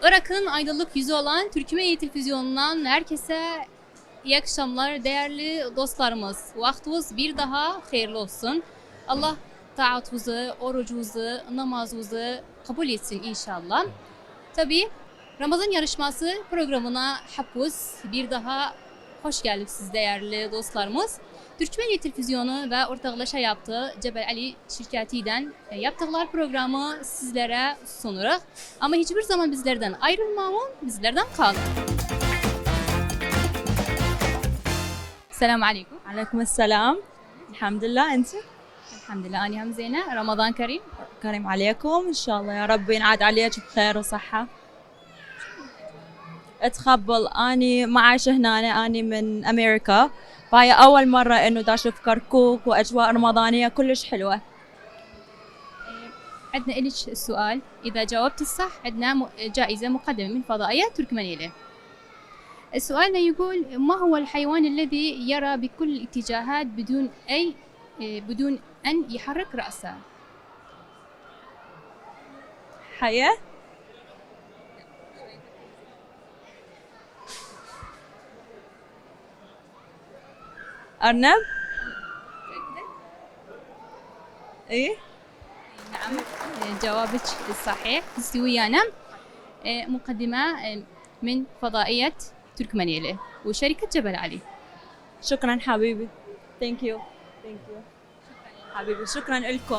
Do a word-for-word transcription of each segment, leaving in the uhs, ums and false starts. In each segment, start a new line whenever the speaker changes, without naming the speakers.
Irak'ın aydınlık yüzü olan Türkmen Televizyonu'ndan herkese iyi akşamlar değerli dostlarımız. Vaktiniz bir daha hayırlı olsun. Allah taatınızı, orucunuzu, namazınızı kabul etsin inşallah. Tabii Ramazan yarışması programına hepiniz bir daha hoş geldiniz değerli dostlarımız. Türkmen Televizyonu ve ortaklaşa yaptığı Cebel Ali şirketiyle yaptıkları programı sizlere sunuyoruz. Ama hiçbir zaman bizlerden ayrılmayın, bizlerden kalın. Selamun Aleyküm.
عليكم السلام. الحمد لله أنت؟
Elhamdülillah, أنا هم زينة. Ramazan Kerim.
كريم عليكم إن شاء الله يا رب ينعاد عليك بخير وصحة. اتخبل أني ما عايشة هنا أني من أمريكا فهي أول مرة إنه دا أشوف كركوك وأجواء رمضانية كلش حلوة.
عندنا إلك السؤال، إذا جاوبت الصح عندنا جائزة مقدمة من فضائية تركمانية. السؤال يقول: ما هو الحيوان الذي يرى بكل الاتجاهات بدون أي بدون أن يحرك رأسه؟
حياة؟ أرنب؟ إيه؟
نعم، جوابك صحيح. سويانا مقدمة من فضائية تركمانية وشركة جبل علي.
شكرا حبيبي. Thank you. Thank you. حبيبي شكرا لكم.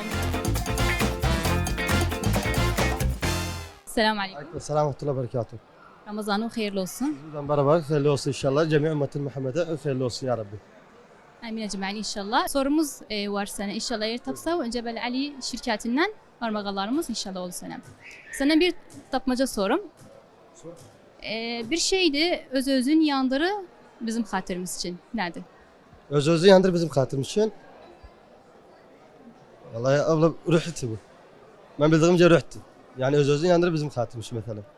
السلام عليكم.
Selamun aleyküm ve berekatuhu.
Ramazan'ın hayırlı olsun.
Bizden beraber hayırlı olsun inşallah. Cemi ümmetin Muhammed'e hayırlı olsun ya Rabbi.
Amin ecmaîn inşallah. Sorumuz e, var sana inşallah. Yer tapsa Cebel Ali şirketinden armağanlarımız inşallah olur sana. Sana bir tapmaca sorum.
Sor.
E, bir şeydi öz özün yandırı bizim hatırımız için. Nerede?
Öz özü yandır bizim hatırımız için. Vallahi abla ruhti bu. Ben bildiğimce ruhti. Yani öz özü yandır bizim hatırımız için mesela.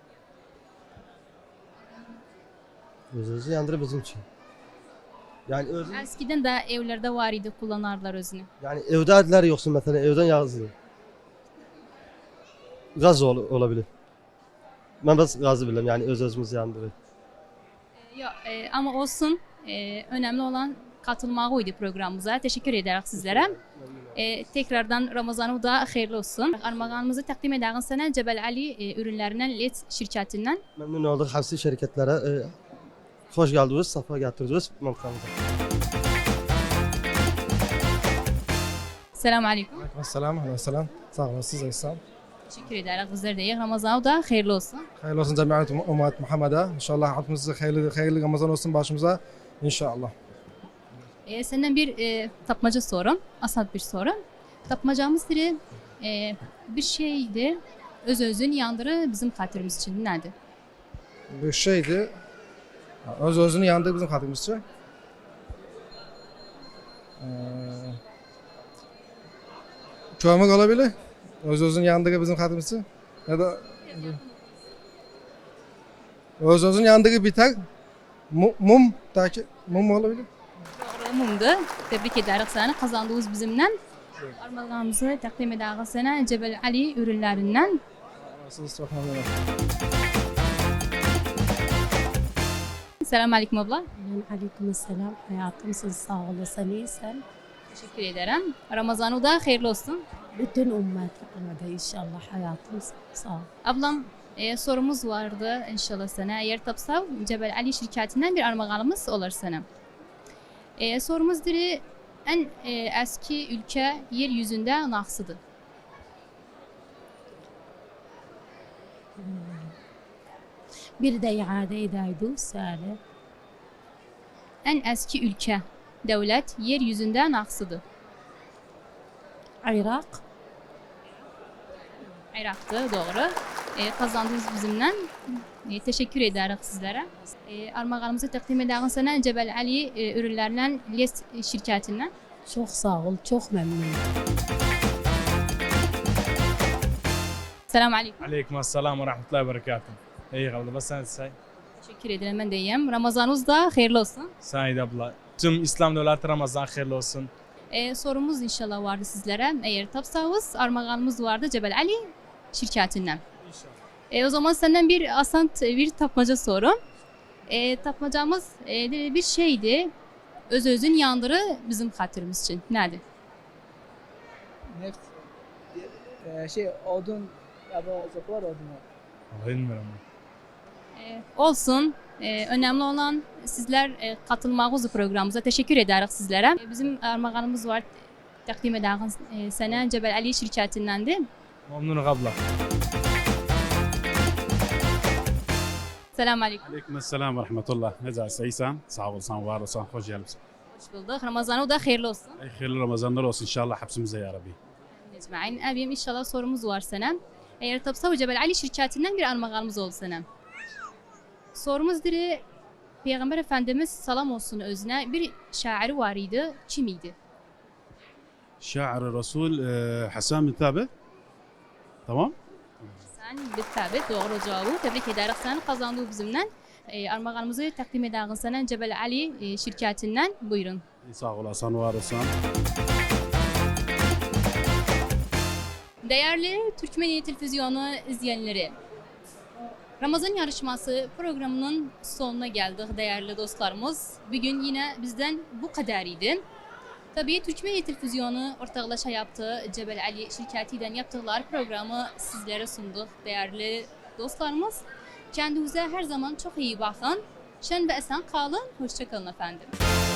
Öz özü yandır bizim için. Yani özü,
Eskiden de evlerde var idi kullanarlar özünü.
yani evde adiler yoksun mesela evden yazıyor. Gaz ol, olabilir. Ben bas gazı bilirim yani öz özümüz yandırır.
E, yok e, ama olsun. E, önemli olan katılmağıydı programımıza. Teşekkür ederim sizlere. E, tekrardan Ramazan'ı da hayırlı olsun. Armağanımızı takdim eden sana Cebel Ali e, ürünlerinden L E D şirketinden.
Memnun olduk hepsi şirketlere. E, hoş geldiniz, safa getirdiniz. Memnunum.
Selamun Aleyküm.
Selam, aleyküm. Sağ olasınız İhsan.
Teşekkür ederim. Bizler de iyi. Ramazan'ı da hayırlı olsun.
Hayırlı olsun cemiyet ümmet Muhammed'e. İnşallah hayatımızda hayırlı, hayırlı Ramazan olsun başımıza. İnşallah.
E, senden bir e, tapmaca sorum. Asat bir soru. Tapmacamız biri e, bir şeydi. Öz özün yandırı bizim hatırımız için. Nerede?
Bir şeydi. Öz özünü yandığı bizim hatırımızca. Ee, Çoğamak olabilir. Öz özünün yandığı bizim hatırımızca. Ya da öz özünün yandığı biter. Mum, mum, taki, mum olabilir.
Doğru mumdu. Tebrik ederiz sana. Kazandığımız bizimle. Armağanımızı takdim ederiz sana Cebel Ali ürünlerinden.
Nasılsınız? Çok memnunum.
Selamun Aleyküm abla.
Aleyküm selam. Hayatım siz sağ olasın, iyisin.
Teşekkür ederim. Ramazan'ı da hayırlı olsun.
Bütün ümmet Muhammed'e inşallah hayatım sağ ol.
Ablam e, sorumuz vardı inşallah sana. Eğer tapsa Cebel Ali şirketinden bir armağanımız olur sana. E, sorumuz diri en e, eski ülke yeryüzünde naksıdır.
Bir de iade edeydi söyle.
En eski ülke, devlet yeryüzünde naksıdır.
Irak.
Irak'tı doğru. E, kazandınız bizimle. E, teşekkür ederiz sizlere. E, armağanımızı takdim eden sana Cebel Ali e, ürünlerinden L E D şirketinden.
Çok sağ ol, çok memnunum.
Selamun Aleyküm.
عليكم السلام ورحمة الله وبركاته. İyi kaldı. Bas sen say.
Teşekkür ederim ben de iyiyim. Ramazanınız da hayırlı olsun.
Said abla. Tüm İslam devleti Ramazan hayırlı olsun.
E, sorumuz inşallah vardı sizlere. Eğer tapsanız armağanımız vardı Cebel Ali şirketinden.
İnşallah.
E, o zaman senden bir asant bir tapmaca sorum. E, tapmacamız e, bir şeydi. Öz özün yandırı bizim hatırımız için. Nedir?
Neft. Ee, şey odun ya bu zıplar odun.
Vallahi bilmiyorum.
E, olsun. E, önemli olan sizler e, katılmağınız programımıza. Teşekkür ederiz sizlere. E, bizim armağanımız var. Takdim ederiz e, sana Cebel Ali şirketindendi.
Memnunum abla.
Selamun Aleyküm.
عليكم السلام ورحمة الله نزع سيسان صعب olsan var olsan hoş geldin.
Hoş bulduk. Ramazanı da hayırlı olsun.
Ey hayırlı Ramazanlar olsun inşallah hepsimize ya Rabbi.
Necmain. Abim inşallah sorumuz var sana. Eğer Tapsa Cebel Ali şirketinden bir armağanımız oldu sana. Sorumuz diri Peygamber Efendimiz salam olsun özüne bir şairi var idi. Kim idi?
شاعر الرسول آه، حسان بن ثابت tamam.
Sen bir tabi doğru cevabı tebrik ederiz sen kazandığı bizimle. E, armağanımızı takdim ederiz sana Cebel Ali e, şirketinden. Buyurun.
Sağ olasın var olsan.
Değerli Türkmeniye Televizyonu izleyenleri, Ramazan yarışması programının sonuna geldik değerli dostlarımız. Bugün yine bizden bu kadar idi. Tabii Türkmeniye Televizyonu ortaklaşa yaptığı Cebel Ali şirketiyle yaptıkları programı sizlere sunduk değerli dostlarımız. Kendinize her zaman çok iyi bakın. Şen ve esen kalın. Hoşça kalın efendim.